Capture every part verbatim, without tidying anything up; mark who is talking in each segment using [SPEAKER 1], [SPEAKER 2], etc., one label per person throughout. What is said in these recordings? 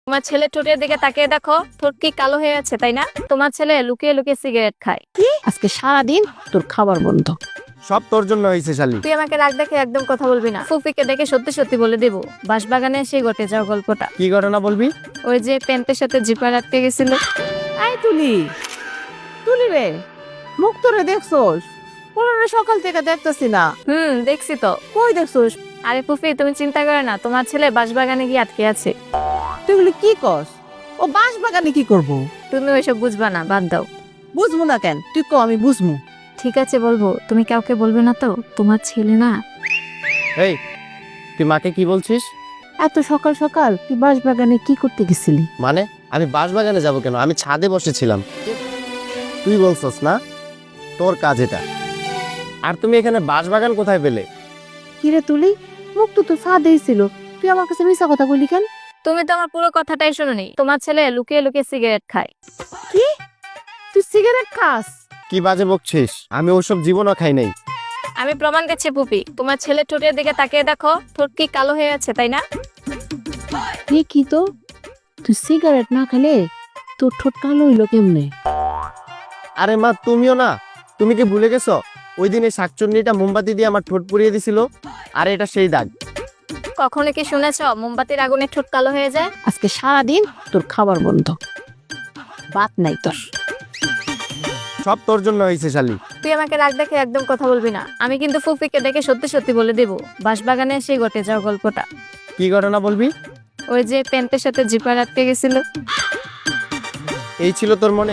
[SPEAKER 1] তোমার ছেলে ঠোঁটের দিকে তাকিয়ে দেখো, ঠোঁট কি কালো হয়ে আছে তাই না? তোমার ছেলে লুকিয়ে লুকিয়ে সিগারেট খায়।
[SPEAKER 2] আজকে সারাদিন তোর খাবার বন্ধ।
[SPEAKER 3] সব তোর জন্য হয়েছে শালি।
[SPEAKER 1] তুই আমাকে রাগ দেখে একদম কথা বলবি না। ফুফিকে ডেকে সত্যি সত্যি বলে দেবো বাঁশবাগানে এসে ঘটে যাও গল্পটা।
[SPEAKER 3] কি ঘটনা বলবি?
[SPEAKER 1] ওই যে প্যান্টের সাথে জিপার আটকে গেছিল।
[SPEAKER 2] আই তুলি তুলি রে, মুখ তোরে দেখছোস? পুরনো সকাল থেকে দেখতেছি না।
[SPEAKER 1] হুম দেখছি তো।
[SPEAKER 2] কই দেখছোস?
[SPEAKER 1] আরে ফুফি তুমি চিন্তা করে না, তোমার ছেলে বাঁশবাগানে গিয়ে আটকে আছে।
[SPEAKER 2] তুই বলি কি কস? ও বাঁশ বাগানে কি করবো?
[SPEAKER 1] তুমি ওইসব বুঝবা না, বাদ দাও।
[SPEAKER 2] বুঝবো না কেন? তুই ক, আমি বুঝবো।
[SPEAKER 1] ঠিক আছে বলবো, তুমি কাউকে বলবে না তো? তোমার ছেলে না।
[SPEAKER 3] এই তুই মাকে কি বলছিস?
[SPEAKER 2] এত সকাল সকাল তুই বাঁশ বাগানে কি করতে গেছিলি?
[SPEAKER 3] মানে আমি বাঁশবাগানে যাব কেন? আমি ছাদে বসেছিলাম। তুই বলছস না তোর কাজ এটা। আর তুমি এখানে বাঁশবাগান কোথায় পেলে?
[SPEAKER 2] কিরে তুলি, মুখ তো তোর ফাঁদেই ছিল, তুই আমার কাছে মিশা কথা বলি কেন?
[SPEAKER 1] তুমি তো আমার পুরো কথাটাই শুনোনি। তোমার ছেলে লুকিয়ে লুকিয়ে সিগারেট খায়।
[SPEAKER 2] কি? তুই সিগারেট খাস?
[SPEAKER 3] কি বাজে বকছিস? আমি ওসব জীবনও খাই নাই।
[SPEAKER 1] আমি প্রমাণ দিচ্ছি পুপি, তোমার ছেলে ঠোঁটের দিকে তাকিয়ে দেখো, ঠোঁট কি কালো হয়ে আছে তাই না?
[SPEAKER 2] এ কি তো, তুই সিগারেট না খেলে তোর ঠোঁট কালো হইলো কেমনে?
[SPEAKER 3] আরে মা তুমিও না, তুমি কি ভুলে গেছো ওই দিন এই শাকচুন্নিটা মোমবাতি দিয়ে আমার ঠোঁট পুড়িয়ে দিছিল? আর এটা সেই দাগ।
[SPEAKER 1] কখনো কি শুনেছ মোমবাতির আগুনে ঠোঁট কালো হয়ে যায়?
[SPEAKER 2] আজকে সারাদিন তোর খাবার বন্ধ, বাত নাই তোর।
[SPEAKER 3] সব তোর জন্য হয়েছে শালি।
[SPEAKER 1] তুই আমাকে রাগ দেখে একদম কথা বলবি না। আমি কিন্তু ফুফিকে ডেকে সত্যি সত্যি বলে দেবো বাঁশবাগানে এসে ঘটে যাও গল্পটা।
[SPEAKER 3] কি ঘটনা বলবি?
[SPEAKER 1] ওই যে প্যান্টের সাথে জিপার আটকে গেছিল।
[SPEAKER 3] এই ছিল তোর মনে?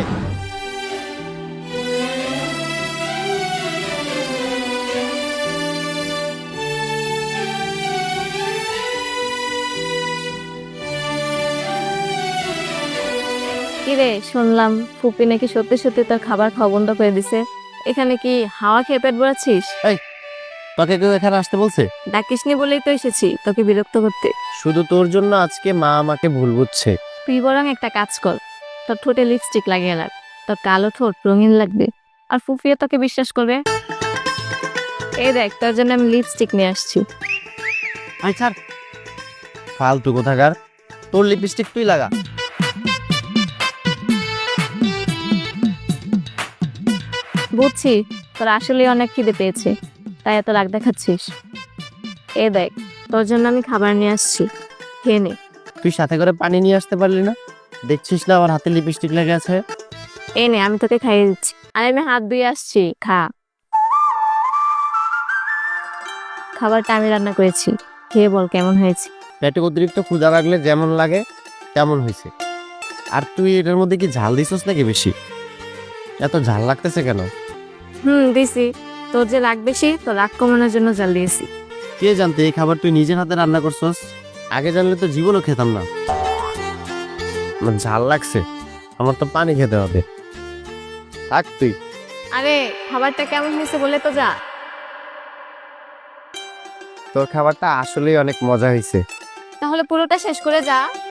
[SPEAKER 1] কিরে শুনলাম ফুপি নাকি সত্যি সত্যি তার খাবার খাওয়া বন্ধ করে দিছে। এখানে কি হাওয়া খেয়ে পেট ভরাচ্ছিস?
[SPEAKER 3] তোকে কেউ এখানে আসতে বলছে?
[SPEAKER 1] ডাকিসনি বলেই তো এসেছি তোকে বিরক্ত করতে।
[SPEAKER 3] শুধু তোর জন্য আজকে মা আমাকে ভুল বুঝছে।
[SPEAKER 1] তুই বরং একটা কাজ কর, তোর ঠোঁটে লিপস্টিক লাগিয়ে রাখ, তোর কালো ঠোঁট রঙিন লাগবে, আর ফুফিও তোকে বিশ্বাস করবে। এই দেখ তোর জন্য আমি লিপস্টিক নিয়ে আসছি।
[SPEAKER 3] আচ্ছা ফালতু কোথাকার, তোর লিপস্টিক তুই লাগা।
[SPEAKER 1] বুঝছি তোর আসলে অনেক খিদে পেয়েছে, তাই এত রাগ দেখাচ্ছিস। এই দেখ তোর জন্য আমি খাবার নিয়ে আসছি, খেয়ে নে।
[SPEAKER 3] তুই সাথে করে পানি নিয়ে আসতে পারলি না? দেখছিস না আমার হাতে লিপস্টিক লেগে আছে।
[SPEAKER 1] এই নে আমি তোকে খাইয়ে দিচ্ছি। আর আমি হাত ধুয়ে আসছি, খা। খাবারটা আমি রান্না করেছি, খেয়ে বল কেমন হয়েছে।
[SPEAKER 3] পেটে অতিরিক্ত ক্ষুধা লাগলে যেমন লাগে তেমন হয়েছে। আর তুই এটার মধ্যে কি ঝাল দিছিস নাকি বেশি? এত ঝাল লাগতেছে কেন?
[SPEAKER 1] হুম দিছি, তোর যে রাগ বেশি, তোর রাগ কমানোর জন্য জাল দিয়েছি।
[SPEAKER 3] কে জানতে এই খাবার তুই নিজের হাতে রান্না করছস? আগে জানলে তো জীবনও খেতাম না। আমার ঝাল লাগছে, আমার তো পানি খেতে হবে। থাক তুই।
[SPEAKER 1] আরে খাবারটা কেমন হয়েছে বলে তো যা।
[SPEAKER 3] তোর খাবারটা আসলেই অনেক মজা হয়েছে।
[SPEAKER 1] তাহলে পুরোটা শেষ করে যা।